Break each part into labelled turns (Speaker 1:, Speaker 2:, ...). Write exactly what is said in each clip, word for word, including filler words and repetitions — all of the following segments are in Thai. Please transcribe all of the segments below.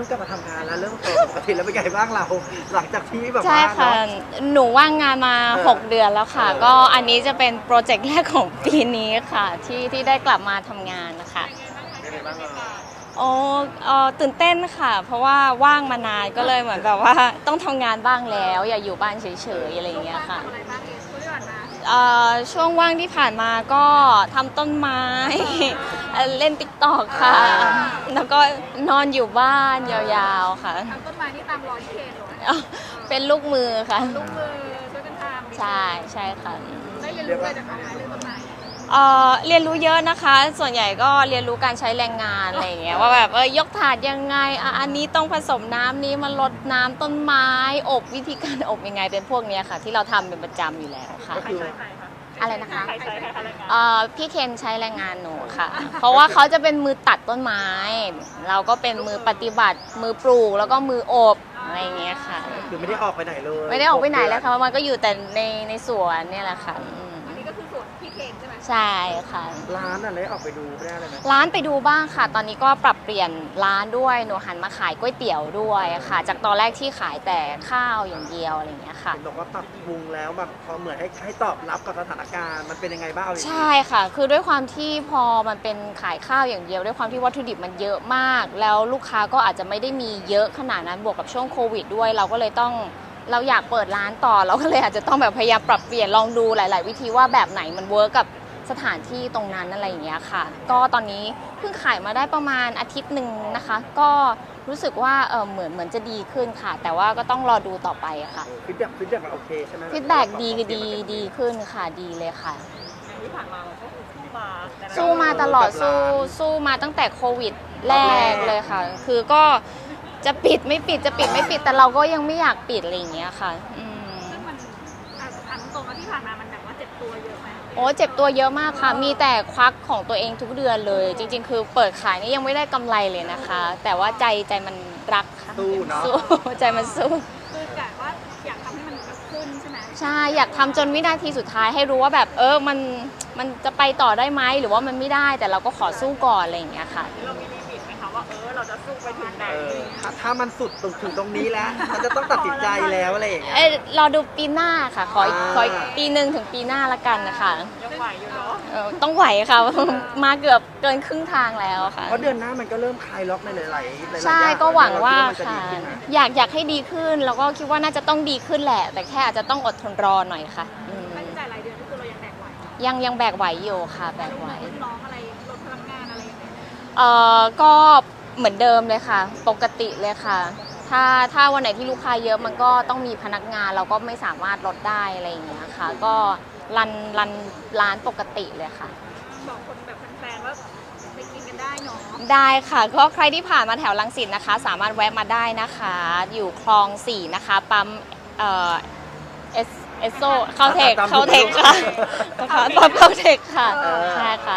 Speaker 1: ริ่มกลับมาทำงานแล้วเริ่มตัวปกติแล้วเป็นไงบ้างเราหลังจากที่แบบ
Speaker 2: ใช่
Speaker 1: ว่า
Speaker 2: ค่ะ
Speaker 1: เนาะ
Speaker 2: หนูว่างงานมา
Speaker 1: เออ
Speaker 2: หก เดือนแล้วค่ะ
Speaker 1: เออ
Speaker 2: ก็อันนี้จะเป็นโปรเจกต์แรกของปีนี้ค่ะ ที่ที่ได้กลับมาทำงานนะคะโอ้เอ่อตื่นเต้นค่ะ เพราะว่าว่างมานานก็เลยเหมือนแบบว่าต้องทำงานบ้างแล้ว อย่าอยู่บ้านเฉยๆอะไรอย่างเงี้ยค่ะเอ่อช่วงว่างที่ผ่านมาก็ทำต้นไม้ เอ่อเล่นติ๊กตอกค่ะ แล้วก็นอนอยู่บ้านยาวๆค่ะ
Speaker 3: ทำต้นไม้นี่ตามรอยที่เคนเหรอ
Speaker 2: อ๋อเป็นลูกมือค่ะ
Speaker 3: ลูกมือช่วยกันทำ
Speaker 2: ใช่ใช่ค่ะ
Speaker 3: ได้เรียนรู้อะไรจากเขาไหมเรื่องต้นไม้
Speaker 2: เอ่อเรียนรู้เยอะนะคะ ส่วนใหญ่ก็เรียนรู้การใช้แรงงานอะไรอย่างเงี้ยว่าแบบเออยกถาดยังไงอ่ะอันนี้ต้องผสมน้ำนี้มาลดน้ำต้นไม้อบวิธีการอบยังไงเป็นพวกเนี้ยค่ะ ที่เราทำเป็นประจำอยู่แล้วค่ะ
Speaker 1: ก็คือ
Speaker 2: อะไรนะคะ
Speaker 3: ใครใช้ใครอะไรกัน
Speaker 2: เอ่อพี่เคนใช้แรงงานหนูค่ะ เพราะว่าเขาจะเป็นมือตัดต้นไม้ เราก็เป็นมือปฏิบัติ มือปลูกแล้วก็มืออบอะไรอย่างเงี้ยค่ะ
Speaker 1: คือไม่ได้ออกไปไหนเลย
Speaker 2: ไม่ได้ออกไปไหนเลยค่ะมันก็อยู่แต่ในในสวนเนี่ยแหละค่ะอืม
Speaker 3: อันนี้ก็คือส่วนพี่เคนใช่ไหม
Speaker 2: ใช่ค่ะ
Speaker 1: ร้านอะไรออกไปดูไม่ได้เลยไหม
Speaker 2: ร้านไปดูบ้างค่ะ ตอนนี้ก็ปรับเปลี่ยนร้านด้วย หนูหันมาขายก๋วยเตี๋ยวด้วยค่ะ จากตอนแรกที่ขายแต่ข้าวอย่างเดียวอะไรอย่างเงี้ยค่ะ
Speaker 1: เห็นบอกว่าปรับปรุงแล้วแบบพอเหมือนให้ให้ตอบรับกับสถานการณ์มันเป็นยังไงบ้างเอาจริงๆ
Speaker 2: ใช่ค่ะ คือด้วยความที่พอมันเป็นขายข้าวอย่างเดียว ด้วยความที่วัตถุดิบมันเยอะมาก แล้วลูกค้าก็อาจจะไม่ได้มีเยอะขนาดนั้น บวกกับช่วงโควิดด้วย เราก็เลยต้อง เราอยากเปิดร้านต่อ เราก็เลยอาจจะต้องแบบพยายามปรับเปลี่ยน ลองดูหลาย ๆ วิธีว่าแบบไหนมันเวิร์กกับสถานที่ตรงนั้นอะไรอย่างเงี้ยค่ะ ก็ตอนนี้เพิ่งขายมาได้ประมาณอาทิตย์หนึ่งนะคะ ก็รู้สึกว่าเออเหมือนเหมือนจะดีขึ้นค่ะ แต่ว่าก็ต้องรอดูต่อไปค่ะ
Speaker 1: ฟีดแบ็กฟีดแบ็กโอเคใช่ไหม
Speaker 2: ฟีดแบ็กดีดีดีขึ้นค่ะ ดีเลยค่ะ
Speaker 3: ที่ผ่านมาเราก็คือสู้มา
Speaker 2: สู้มาตลอดสู้สู้มาตั้งแต่โควิดแรกเลยค่ะ คือก็จะปิดไม่ปิดจะปิดไม่ปิดแต่เราก็ยังไม่อยากปิดอะไรอย่างเงี้ยค่ะอืม
Speaker 3: ซึ่งมันอ่ะถามตรงๆว่าที่ผ่านมามันแบบว่าเจ็บตัวเยอะไหม
Speaker 2: โอ้เจ็บตัวเยอะมากค่ะ มีแต่ควักของตัวเองทุกเดือนเลย จริง ๆ คือเปิดขายนี่ยังไม่ได้กำไรเลยนะคะ แต่ว่าใจใจมันรักค่ะ
Speaker 1: สู้เนาะ
Speaker 2: สู้ ใจมันสู้
Speaker 3: คือกะว่าอยากทำให้มันขึ้นใช่ไหม
Speaker 2: ใช่อยากทำจนวินาทีสุดท้ายให้รู้ว่าแบบเออมันมันจะไปต่อได้ไหมหรือว่ามันไม่ได้แต่เราก็ขอสู้ก่อนอะไรอย่างเงี้ยค่ะ
Speaker 3: เรามีลิมิตไหมคะว่าเออเราจะสู้ไปถึงไหน
Speaker 1: เออถ้าถ้ามันสุดตรงถึงตรงนี้แล้ว มันจะต้องตัดสินใจแล้วอะไรอย่างเงี้ย
Speaker 2: เอ้ยรอดูปีหน้าค่ะขออีก
Speaker 1: อ่า
Speaker 2: ขออีกปีหนึ่งถึงปีหน้าละกันนะคะ
Speaker 3: ยังไหวอยู่เนาะ
Speaker 2: เออต้องไหวค่ะ มาเกือบเกินครึ่งทางแล้วค่ะ
Speaker 1: เพราะเดือนหน้ามันก็เริ่มคลายล็อกในหลายๆหลายๆ
Speaker 2: ใช่
Speaker 1: อย่าง
Speaker 2: ก็หวังว่า
Speaker 1: เรคิดนจะ
Speaker 2: ค่ะ
Speaker 1: ดีขึ้นไหม
Speaker 2: อยากอยากให้ดีขึ้น แล้วก็คิดว่าน่าจะต้องดีขึ้นแหละ แต่แค่อาจจะต้องอดทนรอหน่อยค่ะอืม
Speaker 3: ค่าใช้จ่ายรายเดือนก็คือเรายังแบกไหว
Speaker 2: ยังยังแบกไหวอยู่ค่ะแบกไหว
Speaker 3: ลูกน้องอะไรลดพลังงานอะไรยังไง
Speaker 2: เอ่อก็เหมือนเดิมเลยค่ะ ปกติเลยค่ะ ถ้าถ้าวันไหนที่ลูกค้าเยอะมันก็ต้องมีพนักงานเราก็ไม่สามารถลดได้อะไรอย่างเงี้ยค่ะ ก็รันรันร้านปกติเลยค่ะ
Speaker 3: บอกคนแบบแฟนๆว่าไปกินกันได้เนาะ
Speaker 2: ได้ค่ะก็ใครที่ผ่านมาแถวรังสิตนะคะ สามารถแวะมาได้นะคะ อยู่คลองสี่นะคะปั๊มเอ่อเอสเอสโซเข้าเทคเข้าเทคค่ะนะคะปั๊มเข้าเทคค่ะ
Speaker 1: เออ
Speaker 2: ใช่ค่ะ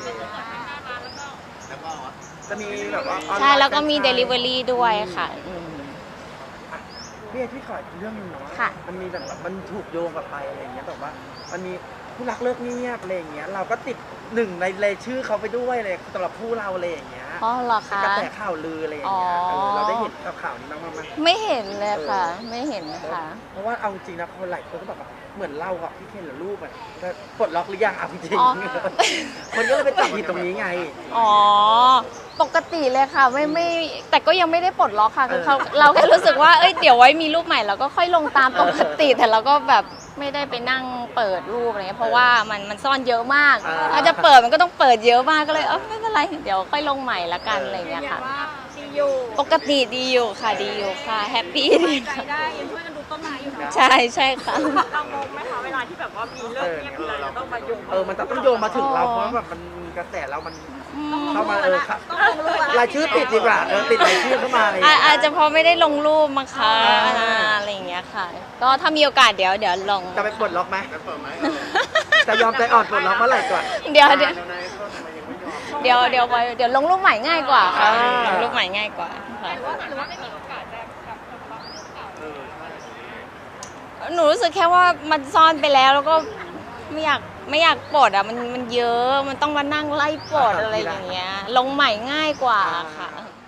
Speaker 1: จะมีแบบว่าออนไน์
Speaker 2: ใช่แล้วก็มี
Speaker 1: ฟรนไชส์
Speaker 2: Delivery ด้วยค่ะอืม
Speaker 1: พี่เอที่ขออีกเรื่องหนึงเนาะ
Speaker 2: ค่ะ
Speaker 1: มันมีแบบมันถูกโยงกับไปอะไรอย่างเงี้ยแบบว่ามันมีผู้รักเลิกเงียบอะไรอย่างเงี้ยเราก็ติดหนึ่งในรายชื่อเขาไปด้วยเลยสำหรับผู้เราอะไรอย่างเงี้ย
Speaker 2: อ๋อเหรอคะ
Speaker 1: กระแสข่าวลืออะไรอย่างเงี้ย
Speaker 2: อ๋อ
Speaker 1: เออเราได้เห็นกับข่าวนี้บ้างไหม
Speaker 2: ไม่เห็นเลยค่ะ ไม่เห็นค่ะ
Speaker 1: เพราะว่าเอาจริงนะคนหลายคนก็แบบว่าเหมือนเรากับพี่เคนหรือลูกอะปลดล็อกหรือยังเอาจริง
Speaker 2: อ๋อ
Speaker 1: ๆคนก็เลยไปจับผิดตรงนี้ไง
Speaker 2: อ๋อ ปกติเลยค่ะไม่ไม่แต่ก็ยังไม่ได้ปลดล็อกค่ะคือเขา
Speaker 1: เออ
Speaker 2: เราแค่รู้สึกว่าเอ้ยเดี๋ยวไว้มีรูปใหม่เราก็ค่อยลงตามปกติ แต่เราก็แบบไม่ได้ไปนั่งเปิดรูปอะไรเงี้ยเพราะว่ามันมันซ่อนเยอะมาก
Speaker 1: อ่า
Speaker 2: ถ้าจะเปิดมันก็ต้องเปิดเยอะมากก็เลยเออไม่เป็นไรเดี๋ยวค่อยลงใหม่ละกันอะไร
Speaker 3: ยื
Speaker 2: เงี้
Speaker 3: น
Speaker 2: ย
Speaker 3: ยั
Speaker 2: ค่ะ
Speaker 3: นว่าดีอยู่
Speaker 2: ปกติดีอยู่ค่ะดีอยู่ค่ะแฮปปี้ดี
Speaker 3: ใจ
Speaker 2: ค่ะ
Speaker 3: ได้ยังช่วยกันดูต้นไม้อยู่เนาะ
Speaker 2: ใช่ใช่ค่ะ
Speaker 3: เรางงไหมคะเวลาที่แบบว่ามีเลิกเงียบอะไรเราต้องมาโยง
Speaker 1: เออมันต้องโยงมาถึงเราเพราะว่าแบบมันมีกระแสเรามันเข้ามาเออค่ะ
Speaker 3: ต้องลงรูป
Speaker 1: รายชื่อติดดีกว่าเออติดรายชื่อเข้ามาอะไรอย่าง
Speaker 2: อ่ะ
Speaker 1: เงี้ย
Speaker 2: อาจจะเพราะไม่ได้ลงรูปมั้งคะ
Speaker 1: อ่า
Speaker 2: อ่าอะไรอย่างเงี้ยค่ะ ก็ถ้ามีโอกาสเดี๋ยวเดี๋ยวลง
Speaker 1: จะไปปลดล็อกไหมจะยอมใจอ่อนปลดล็อกเมื่อไหร่ก่อน
Speaker 2: เดี๋ยวเดี๋ยวเดี๋ยวเดี๋ยวไว้เดี๋ยวลงรูปใหม่ง่ายกว่าค่ะ
Speaker 1: อ่า
Speaker 2: ลงรูปใหม่ง่ายกว่าค่ะ
Speaker 3: หรือว่าไม่มีโอกาสจะกลับมาเรื่องเก่า
Speaker 2: หนูรู้สึกแค่ว่ามันซ่อนไปแล้วแล้วก็ไม่อยากไม่อยากปลดอ่ะมันมันเยอะมันต้องมานั่งไล่ปลดอะไรอย่างเงี้ย ลงใหม่ง่ายกว่าค่ะ